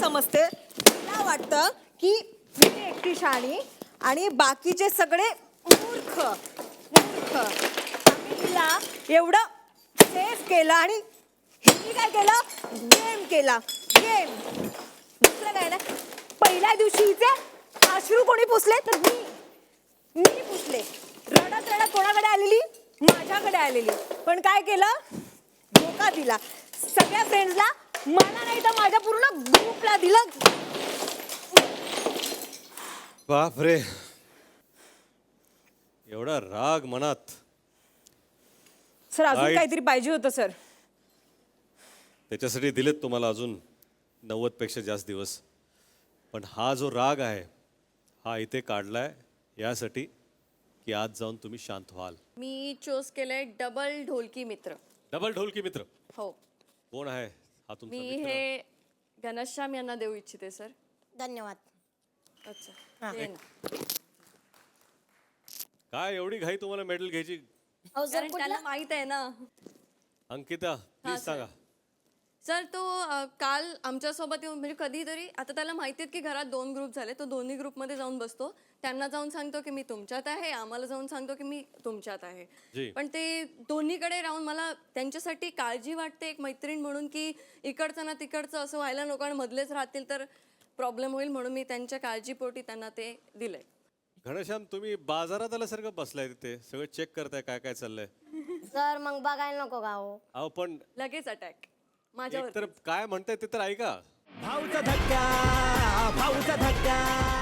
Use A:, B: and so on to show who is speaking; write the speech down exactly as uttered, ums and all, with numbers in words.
A: समजते, मला वाटतं की मी एकटी शाणी आणि बाकीचे सगळे मूर्ख मूर्ख. आम्ही तिला एवढं सेफ केलं आणि हिने काय केलं, गेम केला गेम. दुसरं काय ना, पहिल्या दिवशी हिचे अश्रू कोणी पुसले तर मी मी पुसले. रडत रडत कोणाकडे आलेली, माझ्याकडे आलेली. पण काय केलं, धोका दिला सगळ्या फ्रेंड्सला, मला नाही तर माझ्या पूर्ण ग्रुपला दिलं.
B: बाप रे, एवढा राग मनात.
A: सर अजून
B: Right.
A: काहीतरी पाहिजे होतं सर.
B: त्याच्यासाठी दिलेत तुम्हाला अजून नव्वद पेक्षा जास्त दिवस. पण हा जो राग आहे हा इथे काढलाय यासाठी की आज जाऊन तुम्ही शांत व्हाल.
C: मी चूज केलंय डबल ढोलकी मित्र.
B: डबल ढोलकी मित्र
C: हो,
B: कोण आहे हा तुमचा
C: मी
B: मित्र?
C: हे घनश्याम यांना देऊ इच्छिते सर.
A: धन्यवाद.
C: अच्छा, ये ना.
B: काय एवढी घाई तुम्हाला मेडल घ्यायची?
C: कारण त्याला माहित आहे ना.
B: Ankita please
C: sir.
B: सांगा.
C: सर तो अ, काल आमच्यासोबत येऊन म्हणजे कधीतरी आता त्याला माहिती आहे की घरात दोन ग्रुप झाले, तो दोन्ही ग्रुपमध्ये जाऊन बसतो. त्यांना जाऊन सांगतो की मी तुमच्यात आहे, आम्हाला जाऊन सांगतो की मी तुमच्यात आहे.
B: जी.
C: पण ते दोन्हीकडे राहून मला त्यांच्यासाठी काळजी वाटते एक मैत्रीण म्हणून, की इकडचं ना तिकडचं असं व्हायला नको आणि मधलेच राहतील तर प्रॉब्लेम होईल, म्हणून मी त्यांच्या काळजीपोटी त्यांना ते दिलंय.
B: घनश्याम तुम्ही बाजारात आल्यासारखं बसलाय तिथे, सगळं चेक करताय काय काय चाललंय.
D: सर मग बघायला नको का हो?
B: अहो पण
C: लगेच अटॅक
B: एक
C: माझ्यावर.
B: तर काय म्हणताय ते तर ऐका.
E: भाऊचा धक्का भाऊचा धक्का